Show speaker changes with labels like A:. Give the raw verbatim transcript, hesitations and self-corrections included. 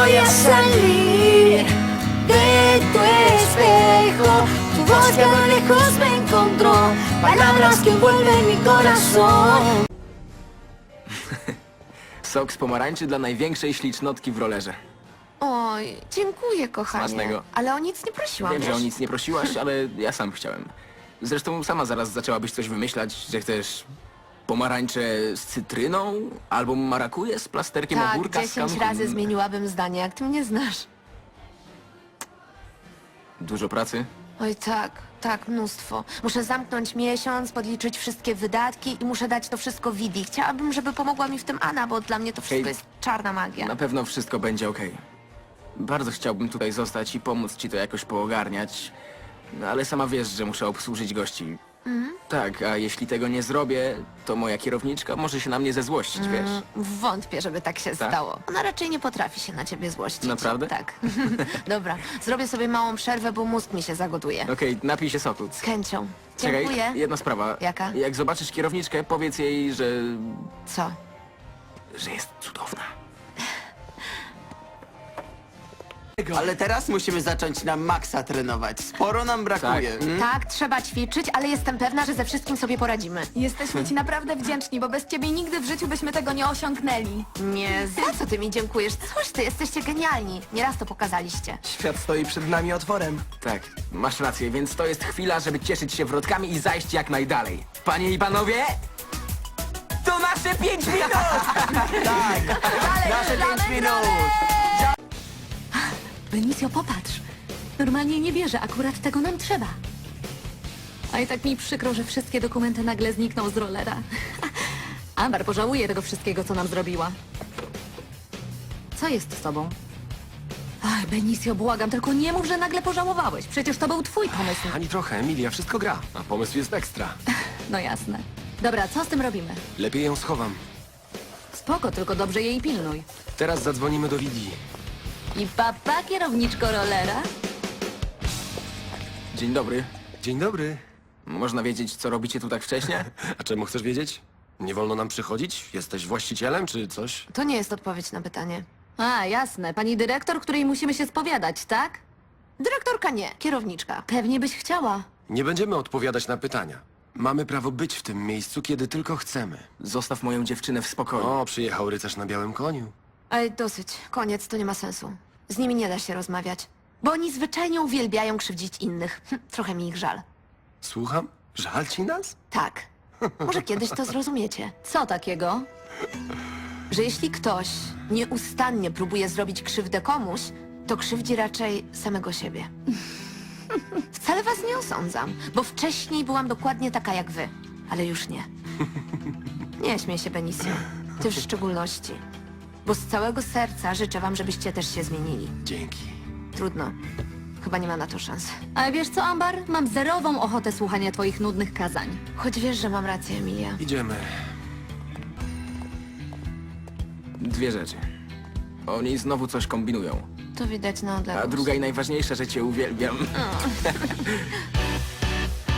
A: voy a salir de tu espejo. Tu voz que a lo lejos me encontró, palabras que envuelven mi corazón.
B: Sok z pomarańczy dla największej ślicznotki w rolerze.
C: Oj, dziękuję, kochanie.
B: Smacznego.
C: Ale o nic nie prosiłam.
B: Wiem, że
C: wiesz?
B: o nic nie prosiłaś, ale ja sam chciałem. Zresztą sama zaraz zaczęłabyś coś wymyślać, że chcesz pomarańcze z cytryną albo marakuje z plasterkiem
C: Tak,
B: ogórka z
C: dziesięć
B: kam-
C: razy zmieniłabym zdanie, jak ty mnie znasz.
B: Dużo pracy?
C: Oj, tak, tak, mnóstwo. Muszę zamknąć miesiąc, podliczyć wszystkie wydatki i muszę dać to wszystko Widi. Chciałabym, żeby pomogła mi w tym Anna, bo dla mnie to wszystko
B: Hej,
C: jest czarna magia.
B: Na pewno wszystko będzie okej. Bardzo chciałbym tutaj zostać i pomóc ci to jakoś poogarniać, no ale sama wiesz, że muszę obsłużyć gości.
C: Mhm.
B: Tak, a jeśli tego nie zrobię, to moja kierowniczka może się na mnie zezłościć, wiesz.
C: Mm, Wątpię, żeby tak się
B: Tak?
C: stało. Ona raczej nie potrafi się na ciebie złościć.
B: Naprawdę?
C: Tak. Dobra, zrobię sobie małą przerwę, bo mózg mi się zagoduje.
B: Okej, napij się soku.
C: Z chęcią.
B: Czekaj,
C: Dziękuję.
B: jedna sprawa.
C: Jaka?
B: Jak zobaczysz kierowniczkę, powiedz jej, że...
C: Co?
B: że jest cudowna.
D: Ale teraz musimy zacząć na maksa trenować. Sporo nam brakuje.
B: Tak.
D: Mm?
C: Tak, trzeba ćwiczyć, ale jestem pewna, że ze wszystkim sobie poradzimy.
E: Jesteśmy ci naprawdę wdzięczni, bo bez ciebie nigdy w życiu byśmy tego nie osiągnęli.
C: Nie, za co ty mi dziękujesz? Coś ty, jesteście genialni. Nieraz to pokazaliście.
F: Świat stoi przed nami otworem.
B: Tak, masz rację, więc to jest chwila, żeby cieszyć się wrotkami i zajść jak najdalej. Panie i panowie, to nasze pięć minut!
D: Nasze pięć minut!
E: Benicio, popatrz. Normalnie nie wierzę, akurat tego nam trzeba. A i tak mi przykro, że wszystkie dokumenty nagle znikną z rollera. Amber pożałuje tego wszystkiego, co nam zrobiła. Co jest z tobą? Ach, Benicio, błagam, tylko nie mów, że nagle pożałowałeś. Przecież to był twój pomysł.
F: Ani trochę, Emilia, wszystko gra, a pomysł jest ekstra.
E: No jasne. Dobra, co z tym robimy?
F: Lepiej ją schowam.
E: Spoko, tylko dobrze jej pilnuj.
F: Teraz zadzwonimy do Widi.
E: I papa, kierowniczko rollera?
B: Dzień dobry.
F: Dzień dobry.
B: Można wiedzieć, co robicie tu tak wcześnie?
F: A czemu chcesz wiedzieć? Nie wolno nam przychodzić? Jesteś właścicielem czy coś?
C: To nie jest odpowiedź na pytanie.
E: A, jasne. Pani dyrektor, której musimy się spowiadać, tak?
C: Dyrektorka nie, kierowniczka.
E: Pewnie byś chciała.
F: Nie będziemy odpowiadać na pytania. Mamy prawo być w tym miejscu, kiedy tylko chcemy.
B: Zostaw moją dziewczynę w spokoju.
F: O, przyjechał rycerz na białym koniu.
C: Ej, dosyć. Koniec, to nie ma sensu. Z nimi nie da się rozmawiać. Bo oni zwyczajnie uwielbiają krzywdzić innych. Hm, trochę mi ich żal.
F: Słucham? Żal ci nas?
C: Tak. Może kiedyś to zrozumiecie.
E: Co takiego?
C: Że jeśli ktoś nieustannie próbuje zrobić krzywdę komuś, to krzywdzi raczej samego siebie. Wcale was nie osądzam, bo wcześniej byłam dokładnie taka jak wy. Ale już nie. Nie śmiej się, Benicio. Ty w szczególności. Bo z całego serca życzę wam, żebyście też się zmienili.
F: Dzięki.
C: Trudno. Chyba nie ma na to szans.
E: Ale wiesz co, Amber? Mam zerową ochotę słuchania twoich nudnych kazań.
C: Choć wiesz, że mam rację, Emilia.
F: Idziemy.
B: Dwie rzeczy. Oni znowu coś kombinują.
C: To widać na odległość.
B: A druga i najważniejsza, że cię uwielbiam.